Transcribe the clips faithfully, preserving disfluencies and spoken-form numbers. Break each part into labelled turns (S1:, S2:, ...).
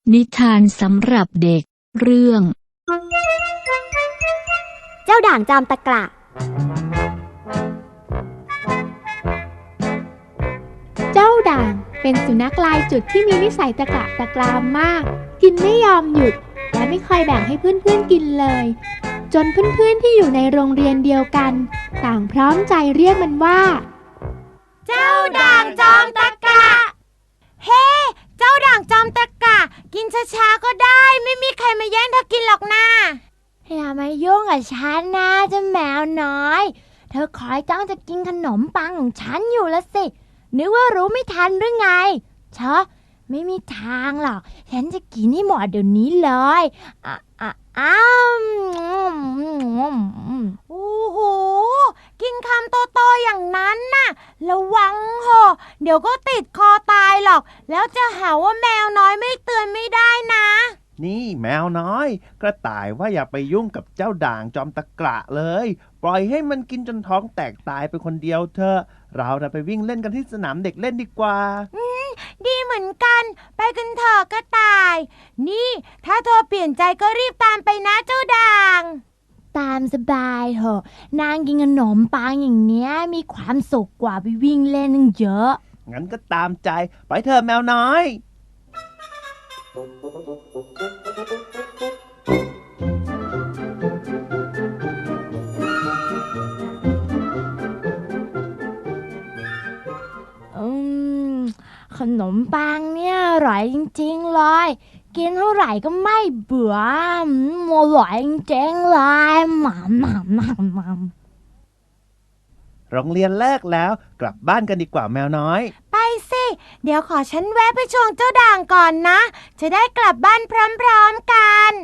S1: นิทานสำหรับเด็กเรื่อง
S2: เจ้าด่างจอมตะกละ
S3: เจ้าด่างเป็นสุนัขลายจุดที่มีนิสัยตะกละตะกรามมากกินไม่ยอมหยุดและไม่เคยแบ่งให้เพื่อนๆกินเลยจนเพื่อนๆที่อยู่ในโรงเรียนเดียวกันต่างพร้อมใจเรียกมันว่า
S2: เจ้าด่างจอมตะกละเฮ้เจ้าด่างจอมตะกละกินช้าๆก็ได้ไม่มีใครมาแย่งเธอกินหรอกนะอย่ามายุ่งกับฉันนะเจ้าแมวน้อยเธอคอยจ้องจะกินขนมปังของฉันอยู่ละสินึกว่ารู้ไม่ทันหรือไงเชอะไม่มีทางหรอกฉันจะกินให้หมดเดี๋ยวนี้เลยอ่ะอ่ะอ้ามโอ้โหกินคำโตๆอย่างนั้นน่ะระวังเหอะเดี๋ยวก็ติดคอตายหรอกแล้วจะหาว่าแมวน้อยไม่เตือนไม่ได้นะ
S4: นี่แมวน้อยกระต่ายว่าอย่าไปยุ่งกับเจ้าด่างจอมตะกระเลยปล่อยให้มันกินจนท้องแตกตายไปคนเดียวเถอะเราจะไปวิ่งเล่นกันที่สนามเด็กเล่นดีกว่า
S2: อืมดีเหมือนกันไปกันเถอะกระต่ายนี่ถ้าเธอเปลี่ยนใจก็รีบตามไปนะเจ้าด่างตามสบายเถอะนางกินขนมปังอย่างเนี้ยมีความสุขกว่าไปวิ่งเล่นนึงเยอะ
S4: งั้นก็ตามใจไปเถอะแมวน้อย
S2: อืมขนมปังเนี่ยอร่อยจริงๆเลยกินเท่าไหร่ก็ไม่เบื่ออร่อยจริงๆเลยหม่ำหม่ำหม่ำหม่
S4: ำโรงเรียนเลิกแล้วกลับบ้านกันดีกว่าแมวน้อย
S2: ไปสิเดี๋ยวขอฉันแวะไปชวนเจ้าด่างก่อนนะจะได้กลับบ้านพร้อมๆกัน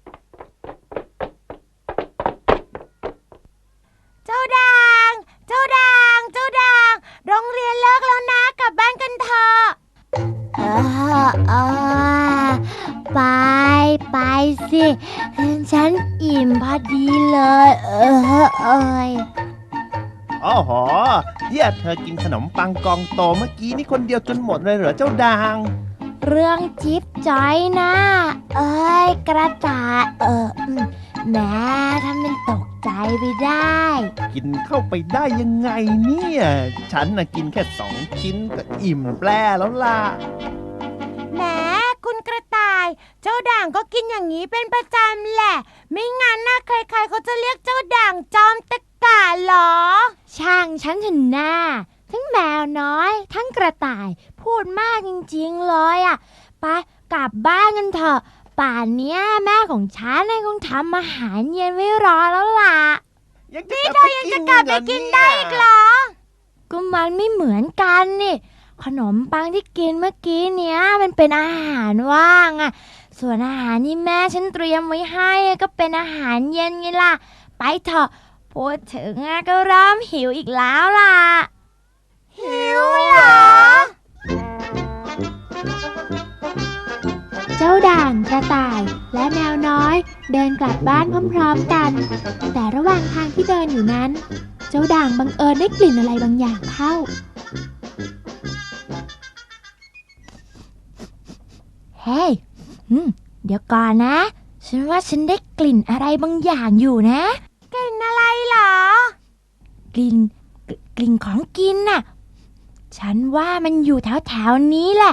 S2: เจ้าด่างเจ้าด่างเจ้าด่างโรงเรียนเลิกแล้วนะกลับบ้านกันเถอะเออเออไปไปสิฉันอิ่มพอดีเลยเออเอย
S4: อ๋อหอเยี่ยเธอกินขนมปังกองโตเมื่อกี้นี่คนเดียวจนหมดเลยเหรอเจ้าด่าง
S2: เรื่องจิ๊บจอยนะเอ้ยกระต่ายเออแม่ทำเป็นตกใจไปได้
S4: กินเข้าไปได้ยังไงเนี่ยฉันน่ะกินแค่สองชิ้นก็อิ่มแปร่แล้วล่ะ
S2: แหมคุณกระต่ายเจ้าด่างก็กินอย่างนี้เป็นประจำแหละไม่งั้นนะใครๆเขาจะเรียกเจ้าด่างจอมตะกะหรอช่างฉันเถอะนะทั้งแมวน้อยทั้งกระต่ายพูดมากจริงๆเลยอ่ะไปกลับบ้านกันเถอะป่านเนี้ยแม่ของฉันคงทำอาหารเย็นไว้รอแล้วล่ะ
S4: นี่เธอยังจะกลับไปกินได้อีกเหรอ
S2: ก็มันไม่เหมือนกันนี่ขนมปังที่กินเมื่อกี้เนี้ยมันเป็นอาหารว่างอ่ะส่วนอาหารที่แม่ฉันเตรียมไว้ให้ก็เป็นอาหารเย็นไงล่ะไปเถอะพูดถึงก็เริ่มหิวอีกแล้วล่ะหิวเหรอ
S3: เจ้าด่างกระต่ายและแมวน้อยเดินกลับบ้านพร้อมๆกันแต่ระหว่างทางที่เดินอยู่นั้นเจ้าด่างบังเอิญได้กลิ่นอะไรบางอย่างเข้า
S2: เฮ้ยเดี๋ยวก่อนนะฉันว่าฉันได้กลิ่นอะไรบางอย่างอยู่นะกลิ่นอะไรเหรอกลิ่นกลิ่นของกินน่ะฉันว่ามันอยู่แถวๆนี้แหละ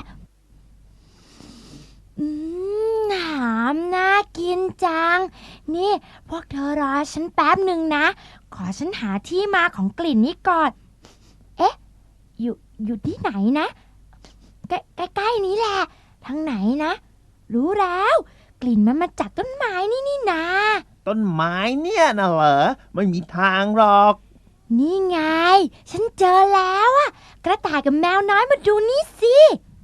S2: อืมหอมน่ากินจังนี่พวกเธอรอฉันแป๊บหนึ่งนะขอฉันหาที่มาของกลิ่นนี้ก่อนเอ๊ะอยู่อยู่ที่ไหนนะใกล้ๆนี้แหละทางไหนนะรู้แล้วกลิ่นมันมาจากต้นไม้นี่นี่นา
S4: ต้นไม้เนี่ยนะเหรอไม่มีทางหรอก
S2: นี่ไงฉันเจอแล้วอะกระต่ายกับแมวน้อยมาดูนี่สิ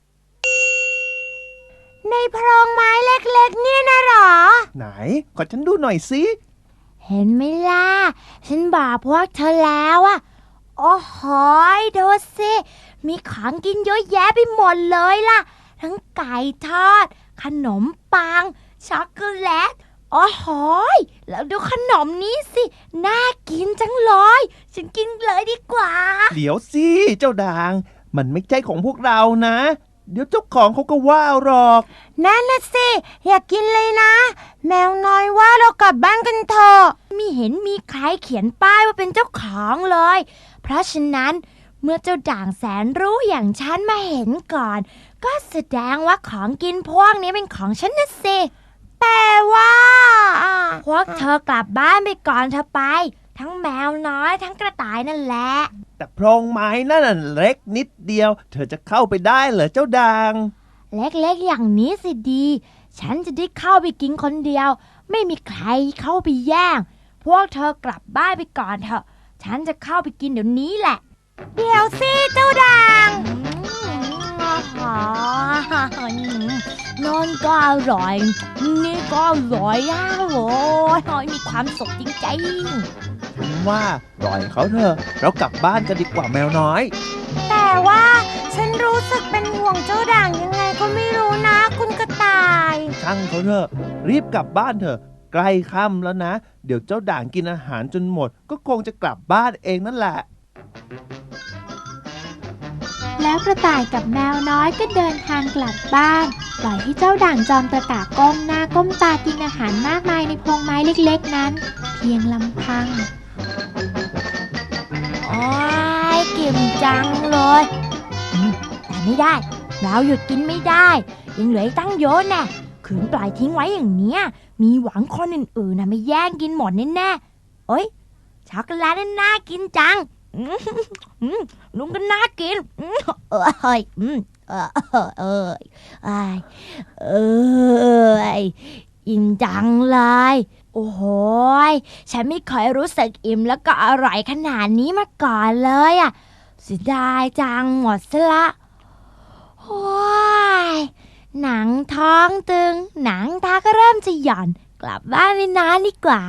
S2: ในโพรงไม้เล็กๆเนี่ยนะหรอ
S4: ไหนขอฉันดูหน่อยสิ
S2: เห็นไหมล่ะฉันบอกพวกเธอแล้วอะโอ้โหดูสิมีของกินเยอะแยะไปหมดเลยล่ะทั้งไก่ทอดขนมปังช็อกโกแลตโอ้โหแล้วดูขนมนี้สิน่ากินจังเลยฉันกินเลยดีกว่า
S4: เดี๋ยวสิเจ้าด่างมันไม่ใช่ของพวกเรานะเดี๋ยวเจ้าของเขาก็ว่าหรอก
S2: นั่นน่ะสิอยากกินเลยนะแมวน้อยว่าเรากลับบ้านกันเถอะไม่เห็นมีใครเขียนป้ายว่าเป็นเจ้าของเลยเพราะฉะนั้นเมื่อเจ้าด่างแสนรู้อย่างฉันมาเห็นก่อนก็แสดงว่าของกินพวกนี้เป็นของฉันนะสิแต่ว่าพวกเธอกลับบ้านไปก่อนเธอไปทั้งแมวน้อยทั้งกระต่ายนั่นแหละ
S4: แต่โพรงไม้นั่นเล็กนิดเดียวเธอจะเข้าไปได้เหรอเจ้าด่าง
S2: เล็กๆอย่างนี้สิดีฉันจะได้เข้าไปกินคนเดียวไม่มีใครเข้าไปแย่งพวกเธอกลับบ้านไปก่อนเถอะฉันจะเข้าไปกินเดี๋ยวนี้แหละเดี๋ยวสิเจ้าด่างนอนก็อร่อยนี่ก็อร่อยอ่ะโว้ยมีความสุขจริงๆ
S4: ฉันว่าปล่อยเขาเถอะเรากลับบ้านกันดีกว่าแมวน้อย
S2: แต่ว่าฉันรู้สึกเป็นห่วงเจ้าด่างยังไงก็ไม่รู้นะคุณกระต่าย
S4: ช่างเขาเถอะรีบกลับบ้านเถอะใกล้ค่ำแล้วนะเดี๋ยวเจ้าด่างกินอาหารจนหมดก็คงจะกลับบ้านเองนั่นแหละ
S3: แล้วกระต่ายกับแมวน้อยก็เดินทางกลับบ้านปล่อยให้เจ้าด่างจอมตะกะก้มหน้าก้มตากินอาหารมากมายในพงไม้เล็กๆนั้นเพียงลำพัง
S2: โอ้ยกิ่มจังเลยแต่ไม่ได้เราหยุดกินไม่ได้ยังเหลือตั้งเยอะแน่ขืนปล่อยทิ้งไว้อย่างเนี้ยมีหวังคนอื่นๆนะไม่แย่งกินหมดแน่ๆเอ้ยช็อกโกแลตน่ากินจังลุงก็น่ากินเออเฮ้ยเออเออเออเอออิ่มจังเลยโอ้โหฉันไม่เคยรู้สึกอิ่มแล้วก็อร่อยขนาดนี้มาก่อนเลยอ่ะเสียดายจังหมดซะละโอ้ยหนังท้องตึงหนังตาก็เริ่มจะหย่อนกลับบ้านไปนอนดีกว่า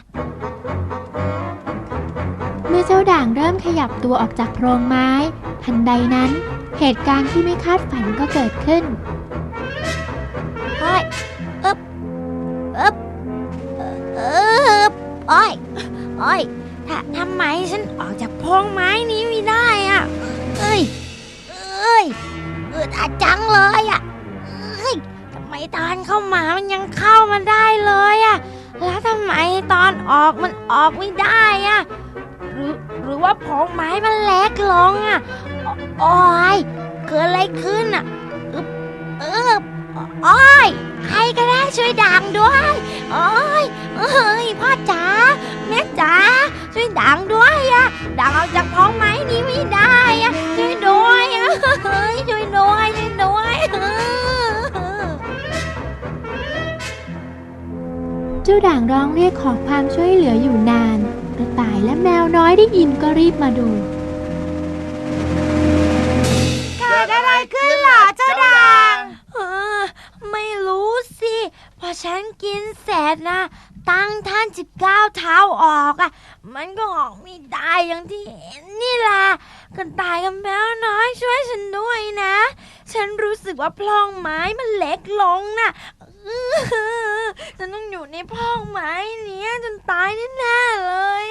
S3: เมื่อเจ้าด่างเริ่มขยับตัวออกจากโพรงไม้ทันใดนั้นเหตุการณ์ที่ไม่คาดฝันก็เกิดขึ้น
S2: เฮ้ยอึ๊บอึ๊บอึ๊บโอ้ยโอ้ยถ้าทำไมฉันออกจากโพรงไม้นี้ไม่ได้อ่ะเอ้ยเอ้ยอึดอัดจังเลยอ่ะเอ้ยทำไมตอนเข้ามามันยังเข้ามาได้เลยอ่ะแล้วทำไมตอนออกมันออกไม่ได้อ่ะหรือหรือว่าโพรงไม้มันเล็กลงอ่ะโอ้ยเกิดอะไรขึ้นอ่ะอึบอึบโอ้ยใครก็ได้ช่วยด่างด้วยโอ้ยเอ้ยพ่อจ๋าแม่จ๋าช่วยด่างด้วยอ่ะด่างออกจากโพรงไม้นี้ไม่ได้อ่ะช่วยด้วยอ่ะเฮ้ยช่วยด้วยช่วยด้วย
S3: เจ้าด่างร้องเรียกขอความช่วยเหลืออยู่นานกระต่ายและแมวน้อยได้ยินก็รีบมาดู
S2: เกิดอะไรขึ้นเหรอเจ้าด่างไม่รู้สิพอฉันกินเสร็จนะตั้งท่านจะก้าวเท้าออกอ่ะมันก็ออกไม่ได้อย่างที่เห็นนี่แหละกระต่ายกับแมวน้อยช่วยฉันด้วยนะฉันรู้สึกว่าพลองไม้มันเล็กลงน่ะฉันต้องอยู่ในพลองไม้นี้จนตายแน่ๆเลย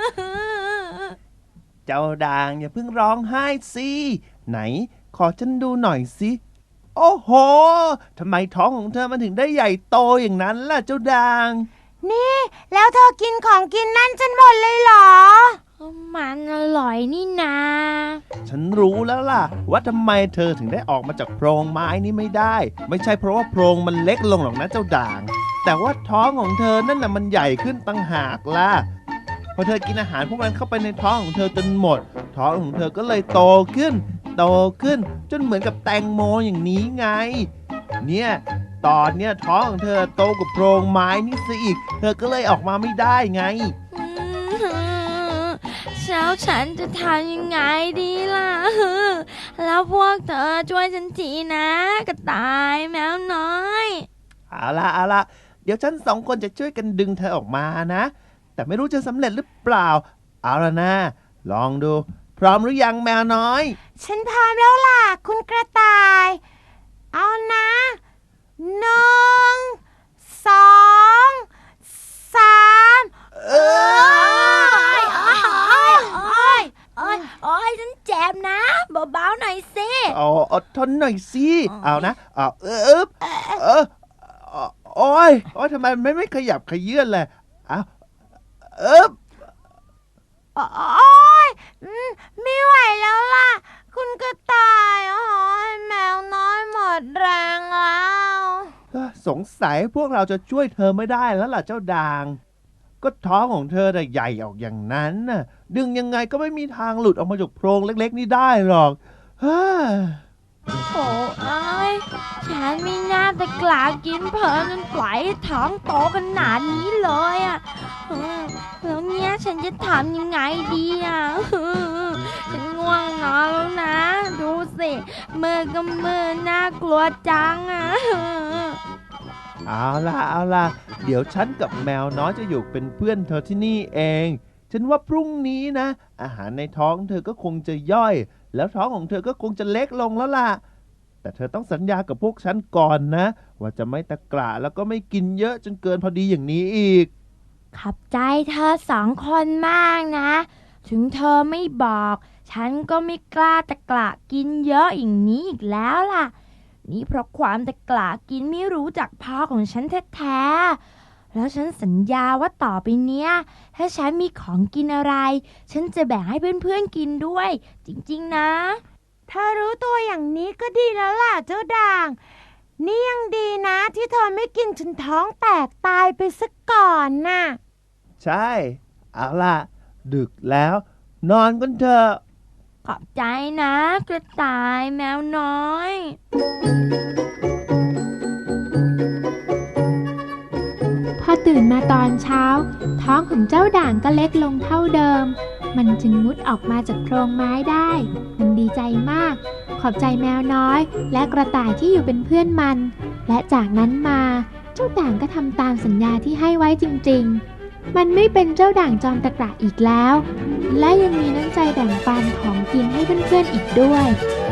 S4: เจ้าด่างอย่าเพิ่งร้องไห้สิไหนขอฉันดูหน่อยสิโอ้โหทำไมท้องของเธอมันถึงได้ใหญ่โตอย่างนั้นล่ะเจ้าด่าง
S2: นี่แล้วเธอกินของกินนั่นจนหมดเลยเหรอมันอร่อยนี่นา
S4: ฉันรู้แล้วล่ะว่าทำไมเธอถึงได้ออกมาจากโพรงไม้นี้ไม่ได้ไม่ใช่เพราะว่าโพรงมันเล็กลงหรอกนะเจ้าด่างแต่ว่าท้องของเธอนั่นน่ะมันใหญ่ขึ้นต่างหากล่ะพอเธอกินอาหารพวกมันเข้าไปในท้องของเธอจนหมดท้องของเธอก็เลยโตขึ้นโตขึ้นจนเหมือนกับแตงโมอย่างนี้ไงเนี่ยตอนเนี้ยท้องของเธอโตกว่าโพรงไม้นี่ซะอีกเธอก็เลยออกมาไม่ได้ไง
S2: แล้วฉันจะทำยังไงดีล่ะแล้วพวกเธอช่วยฉันทีนะกระต่ายแมวน้อย
S4: เอาล่ะเอาล่ะเดี๋ยวฉันสองคนจะช่วยกันดึงเธอออกมานะแต่ไม่รู้จะสำเร็จหรือเปล่าเอาล่ะนะลองดูพร้อมหรือยังแมวน้อย
S2: ฉันพร้อมแล้วล่ะคุณกระต่ายเอานะหนึ่งสองสามเอ้ยโอ้ยโอ้ยโอ้ยโอ้ยฉันเจ็บนะเบาๆหน่อยสิ
S4: อ๋ออดทนหน่อยสินะอ่าเออเออเออโอ้ยโอ้ยทำไมไม่ไม่ขยับขยื่นเลยอ้าวเออ
S2: โอ๊ยอืมไม่ไหวแล้วล่ะ คุณกระต่ายโอ้ยแมวน้อยหมดแรงแล้ว
S4: สงสัยพวกเราจะช่วยเธอไม่ได้แล้วล่ะเจ้าด่างก็ท้องของเธอน่ะใหญ่ออกอย่างนั้นน่ะดึงยังไงก็ไม่มีทางหลุดออกมาจากโพรงเล็กๆนี่ได้หรอกฮ่า
S2: โอ้ยฉันไม่น่าจะกล้ากินเพลินจนปล่อยให้ท้องโตขนาดนี้เลยอ่ะอืมแล้วเนี้ยฉันจะทำยังไงดีอ่ะอืมฉันง่วงนอนแล้วนะ ดูสิมือก็มือน่ากลัวจังอ่ะ
S4: เอาล่ะเอาล่ะเดี๋ยวฉันกับแมวน้อยจะอยู่เป็นเพื่อนเธอที่นี่เองฉันว่าพรุ่งนี้นะอาหารในท้องเธอก็คงจะย่อยแล้วท้องของเธอก็คงจะเล็กลงแล้วล่ะแต่เธอต้องสัญญากับพวกฉันก่อนนะว่าจะไม่ตะกละแล้วก็ไม่กินเยอะจนเกินพอดีอย่างนี้อีก
S2: ขอบใจเธอสองคนมากนะ ถึงเธอไม่บอก ฉันก็ไม่กล้าตะกละกินเยอะอย่างนี้อีกแล้วล่ะ นี่เพราะความตะกละกินไม่รู้จักพ่อของฉันแท้ๆแล้วฉันสัญญาว่าต่อไปเนี้ย ถ้าฉันมีของกินอะไร ฉันจะแบ่งให้เพื่อนๆกินด้วย จริงๆนะถ้ารู้ตัวอย่างนี้ก็ดีแล้วล่ะเจ้าด่าง นี่ยังดีนะที่เธอไม่กินจนท้องแตกตายไปซะก่อนน่ะ
S4: ใช่เอาล่ะดึกแล้วนอนกันเถอะ
S2: ขอบใจนะกระต่ายแมวน้อย
S3: พอตื่นมาตอนเช้า ท้องของเจ้าด่างก็เล็กลงเท่าเดิม มันจึงมุดออกมาจากโพรงไม้ได้ มันดีใจมาก ขอบใจแมวน้อยและกระต่ายที่อยู่เป็นเพื่อนมัน และจากนั้นมาเจ้าด่างก็ทำตามสัญญาที่ให้ไว้จริงๆ มันไม่เป็นเจ้าด่างจอมตะกระอีกแล้ว และยังมีน้ำใจแบ่งปันของกินให้เพื่อนๆอีกด้วย